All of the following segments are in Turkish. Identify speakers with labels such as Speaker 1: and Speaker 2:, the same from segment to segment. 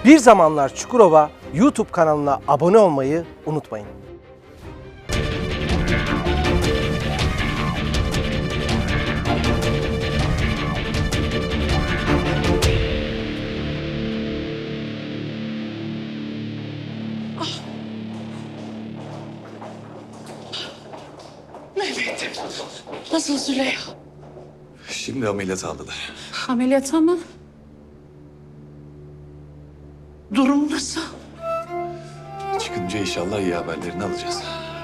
Speaker 1: Bir Zamanlar Çukurova YouTube kanalına abone olmayı unutmayın.
Speaker 2: Mehmet'im. Nasıl Züleyha?
Speaker 3: Şimdi ameliyat aldılar.
Speaker 2: Ameliyata mı? Durum nasıl?
Speaker 3: Çıkınca inşallah iyi haberlerini alacağız.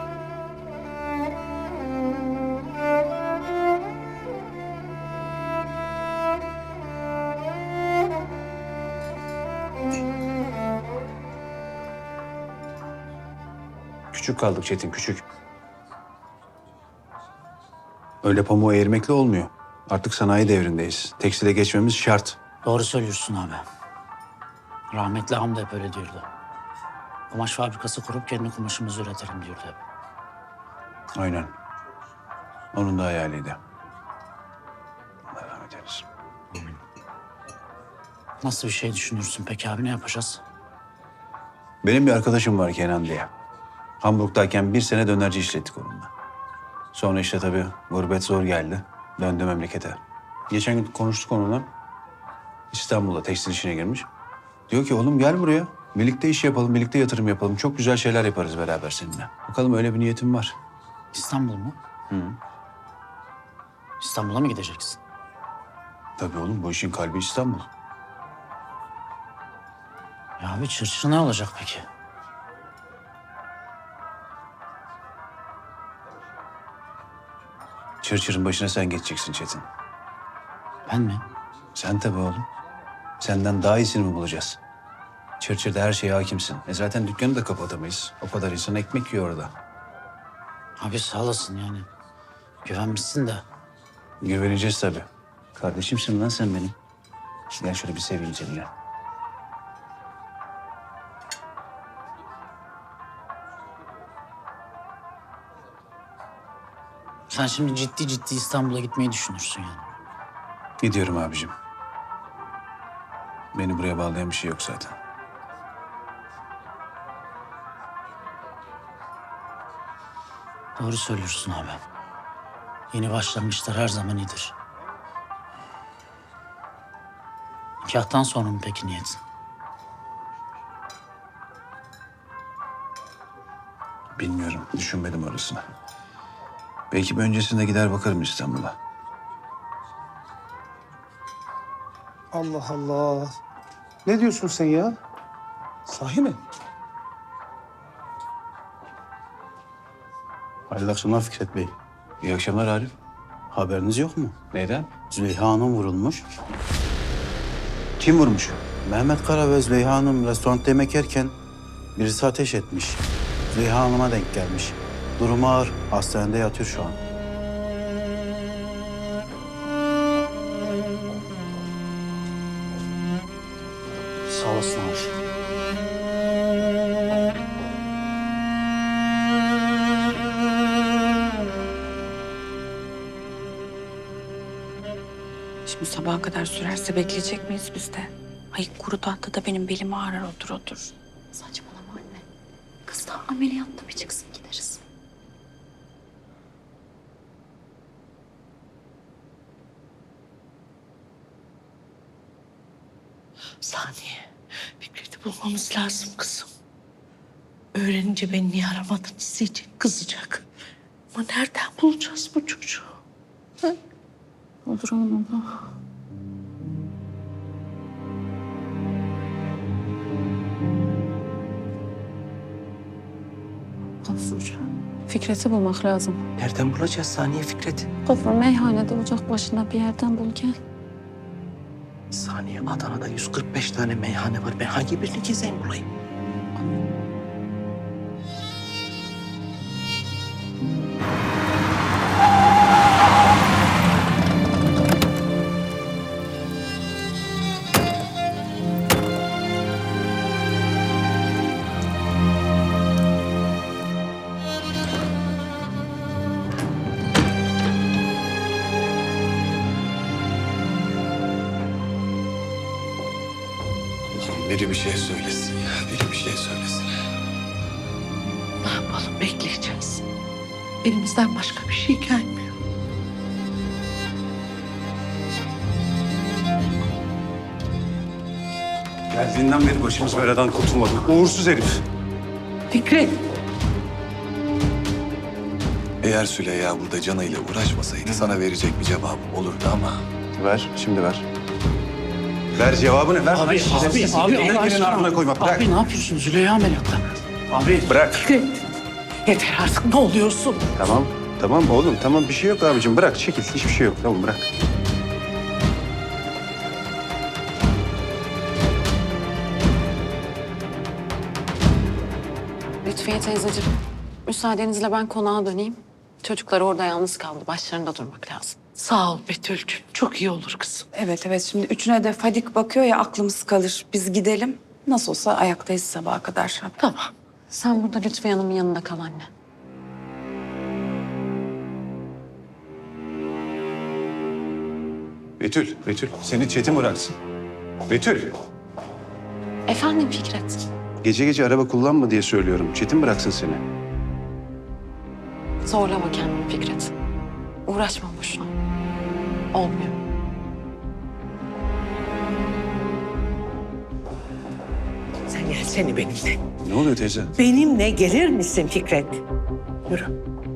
Speaker 4: Küçük kaldık Çetin, küçük. Öyle pamuğu eğirmekle olmuyor. Artık sanayi devrindeyiz. Tekstile geçmemiz şart.
Speaker 5: Doğru söylüyorsun abi. Rahmetli Hamdi hep öyle diyordu. Kumaş fabrikası kurup kendi kumaşımızı üretelim diyordu hep.
Speaker 4: Aynen. Onun da hayaliydi. Allah rahmet eylesin.
Speaker 5: Nasıl bir şey düşünürsün peki abi, ne yapacağız?
Speaker 4: Benim bir arkadaşım var Kenan diye. Hamburg'dayken 1 sene dönerci işlettik onunla. Sonra işte tabii gurbet zor geldi. Döndü memlekete. Geçen gün konuştuk onunla. İstanbul'da tekstil işine girmiş. Diyor ki oğlum gel buraya. Birlikte iş yapalım, birlikte yatırım yapalım. Çok güzel şeyler yaparız beraber seninle. Bakalım öyle bir niyetim var.
Speaker 5: İstanbul mu?
Speaker 4: Hı.
Speaker 5: İstanbul'a mı gideceksin?
Speaker 4: Tabii oğlum bu işin kalbi İstanbul.
Speaker 5: Ya abi Çırçır ne olacak peki?
Speaker 4: Çırçır'ın başına sen geçeceksin Çetin.
Speaker 5: Ben mi?
Speaker 4: Sen tabii oğlum. Senden daha iyisini mi bulacağız? Çırçır'da her şeye hakimsin. Zaten dükkanı da kapatamayız. O kadar insan ekmek yiyor orada.
Speaker 5: Abi sağ olasın yani. Güvenmişsin de.
Speaker 4: Güveneceğiz tabii. Kardeşimsin lan sen benim. Gel şöyle bir seveyim seni ya.
Speaker 5: Sen şimdi ciddi ciddi İstanbul'a gitmeyi düşünürsün yani.
Speaker 4: Gidiyorum abicim. Beni buraya bağlayan bir şey yok zaten.
Speaker 5: Doğru söylüyorsun abi. Yeni başlangıçlar her zaman iyidir. Nikahtan sonra mı peki niyetin?
Speaker 4: Bilmiyorum, düşünmedim orasını. Belki bir öncesinde gider bakarım İstanbul'a.
Speaker 1: Allah Allah. Ne diyorsun sen ya? Sahi mi?
Speaker 6: Hayırlı akşamlar Fikret Bey.
Speaker 4: İyi akşamlar Arif.
Speaker 6: Haberiniz yok mu?
Speaker 4: Neyden?
Speaker 6: Züleyha Hanım vurulmuş.
Speaker 4: Kim vurmuş?
Speaker 6: Mehmet Kara ve Züleyha Hanım restoranda yemek yerken birisi ateş etmiş. Züleyha Hanım'a denk gelmiş. Durumu ağır. Hastanede yatıyor şu an.
Speaker 5: Sağ olasın abi.
Speaker 7: Şimdi sabaha kadar sürerse bekleyecek miyiz biz de? Ay kuru tahtada benim belim ağrır otur.
Speaker 8: Saçmalama anne. Kız da ameliyatta bir çıksın gideriz.
Speaker 2: Saniye. Fikret'i bulmamız lazım kızım. Öğrenince beni niye aramadınız diyecek, kızacak. Ama nereden bulacağız bu çocuğu?
Speaker 8: Olur oğlum abla. Gafur. Fikret'i bulmak lazım.
Speaker 1: Nereden bulacağız Saniye Fikret?
Speaker 8: Gafur meyhanede ocak başında bir yerden bul gel.
Speaker 1: Saniye Adana'da 145 tane meyhane var. Ben hangi birini gezeyim bulayım?
Speaker 3: Biri bir şey söylesin ya. Biri bir şey söylesin.
Speaker 2: Ne yapalım, bekleyeceğiz. Elimizden başka bir şey gelmiyor.
Speaker 4: Geldiğinden beri başımız beladan kurtulmadı. Uğursuz herif.
Speaker 2: Fikret,
Speaker 3: Eğer Süleyha burada canıyla uğraşmasaydı sana verecek bir cevabım olurdu ama...
Speaker 4: Ver, şimdi ver. Ver cevabını ver.
Speaker 5: Abi
Speaker 4: Elini
Speaker 5: Allah
Speaker 4: birinin ardına koyma. Bırak.
Speaker 5: Abi ne yapıyorsun? Züleyha ameliyatta. Abi.
Speaker 4: Bırak.
Speaker 2: Fikret. Yeter artık, ne oluyorsun?
Speaker 4: Tamam. Tamam oğlum. Tamam bir şey yok abicim. Bırak çekil. Hiçbir şey yok. Tamam bırak.
Speaker 9: Lütfiye teyzeciğim, müsaadenizle ben konağa döneyim. Çocuklar orada yalnız kaldı. Başlarında durmak lazım.
Speaker 2: Sağ ol Betül'cüğüm, çok iyi olur kızım.
Speaker 7: Evet şimdi üçüne de Fadik bakıyor ya, aklımız kalır. Biz gidelim. Nasıl olsa ayaktayız sabaha kadar.
Speaker 2: Tamam.
Speaker 9: Sen burada Lütfiye Hanım'ın yanında kal anne.
Speaker 4: Betül. Seni Çetin bıraksın. Betül.
Speaker 9: Efendim Fikret.
Speaker 4: Gece gece araba kullanma diye söylüyorum. Çetin bıraksın seni.
Speaker 9: Zorlama kendini Fikret. Uğraşma boşuna. Olmuyor.
Speaker 2: Sen gelsene benimle.
Speaker 4: Ne oluyor teyze?
Speaker 2: Benimle gelir misin Fikret? Yürü.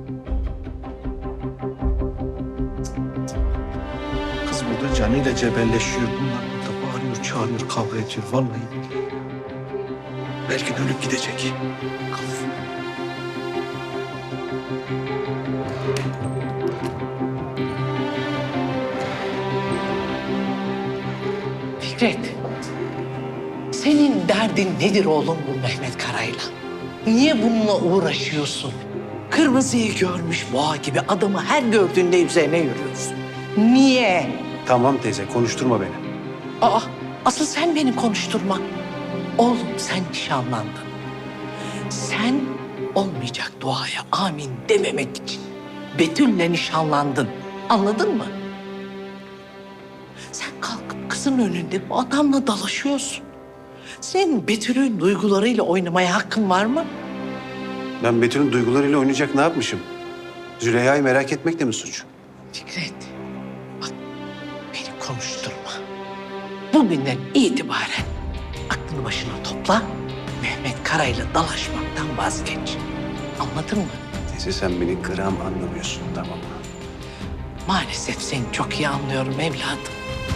Speaker 1: Kız burada canıyla cebelleşiyor. Bunlar burada bağırıyor, çağırıyor, kavga ediyor. Vallahi. Belki de ölüp gidecek.
Speaker 2: Fikret, senin derdin nedir oğlum bu Mehmet Kara'yla? Niye bununla uğraşıyorsun? Kırmızıyı görmüş boğa gibi adamı her gördüğünde üzerine yürüyorsun. Niye?
Speaker 4: Tamam teyze konuşturma beni.
Speaker 2: Aa, asıl sen beni konuşturma. Oğlum sen nişanlandın. Sen olmayacak duaya amin dememek için Betül'le nişanlandın. Anladın mı? Sen kalkıp kızın önünde bu adamla dalaşıyorsun. Senin Betül'ün duygularıyla oynamaya hakkın var mı?
Speaker 4: Ben Betül'ün duygularıyla oynayacak ne yapmışım? Züleyha'yı merak etmek de mi suç?
Speaker 2: Fikret, bak beni konuşturma. Bugünden itibaren aklını başına topla. Mehmet Kara'yla dalaşmaktan vazgeç. Anladın mı?
Speaker 4: Teyze sen beni gram anlamıyorsun tamam mı?
Speaker 2: Maalesef seni çok iyi anlıyorum evladım.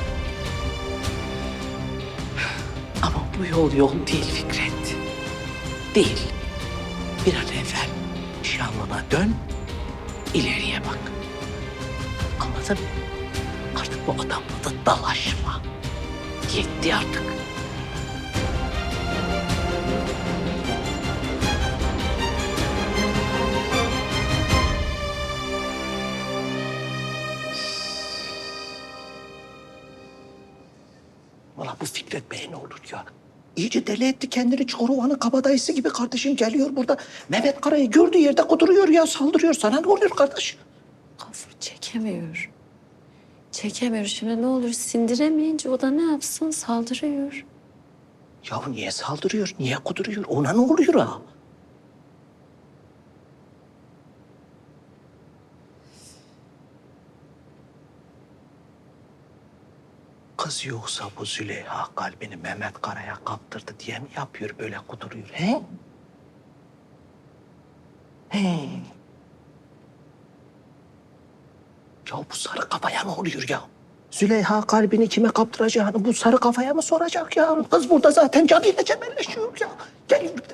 Speaker 2: Ama bu yol değil Fikret. Değil. Bir an evvel nişanlına dön, ileriye bak. Anladın mı? Artık bu adamla da dalaşma. Yetti artık.
Speaker 1: Valla bu Fikret Bey ne olur ya. İyice deli etti kendini. Çoruhan'ın kabadayısı gibi kardeşim geliyor burada. Mehmet Kara'yı gördüğü yerde kuduruyor ya, saldırıyor. Sana ne oluyor kardeş?
Speaker 8: Gafur çekemiyor. Çekemiyor. Şimdi ne olur sindiremeyince o da ne yapsın? Saldırıyor.
Speaker 1: Ya niye saldırıyor, niye kuduruyor? Ona ne oluyor ha? Kız yoksa bu Züleyha kalbini Mehmet Kara'ya kaptırdı diye mi yapıyor böyle kuduruyor he? He. Ya bu sarı kafaya ne oluyor ya? Züleyha kalbini kime kaptıracağını bu sarı kafaya mı soracak ya? Kız burada zaten canıyla cebelleşiyor ya. Geliyor bir de.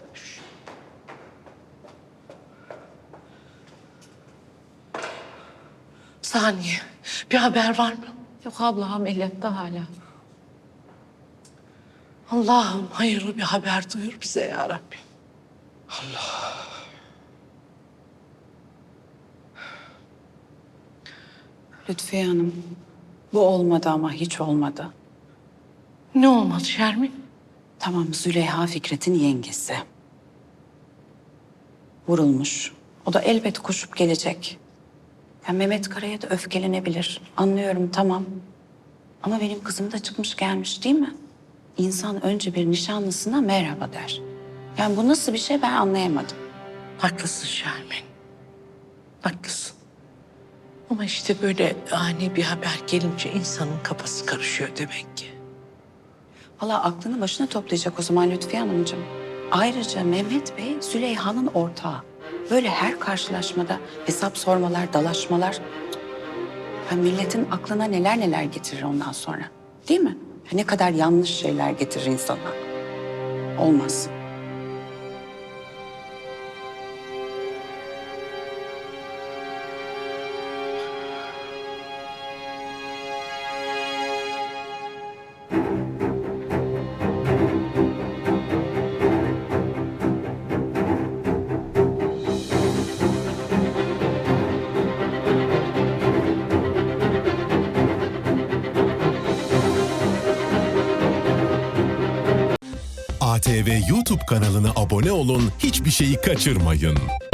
Speaker 2: Saniye, bir haber var mı?
Speaker 9: Yok abla ameliyatta hala.
Speaker 2: Allah'ım hayırlı bir haber duyur bize ya Rabbi.
Speaker 7: Lütfiye Hanım, bu olmadı ama hiç olmadı.
Speaker 2: Ne olmadı Şermin?
Speaker 7: Tamam, Züleyha Fikret'in yengesi. Vurulmuş. O da elbet koşup gelecek. Ya Mehmet Kara'ya da öfkelenebilir. Anlıyorum tamam. Ama benim kızım da çıkmış gelmiş değil mi? İnsan önce bir nişanlısına merhaba der. Yani bu nasıl bir şey ben anlayamadım.
Speaker 2: Haklısın Şermin. Haklısın. Ama işte böyle ani bir haber gelince insanın kafası karışıyor demek ki.
Speaker 7: Valla aklını başına toplayacak o zaman Lütfiye Hanımcığım. Ayrıca Mehmet Bey Züleyha'nın ortağı. Böyle her karşılaşmada hesap sormalar, dalaşmalar. Ha, milletin aklına neler neler getirir ondan sonra. Değil mi? Ha, ne kadar yanlış şeyler getirir insana. Olmaz.
Speaker 10: ATV YouTube kanalına abone olun, hiçbir şeyi kaçırmayın.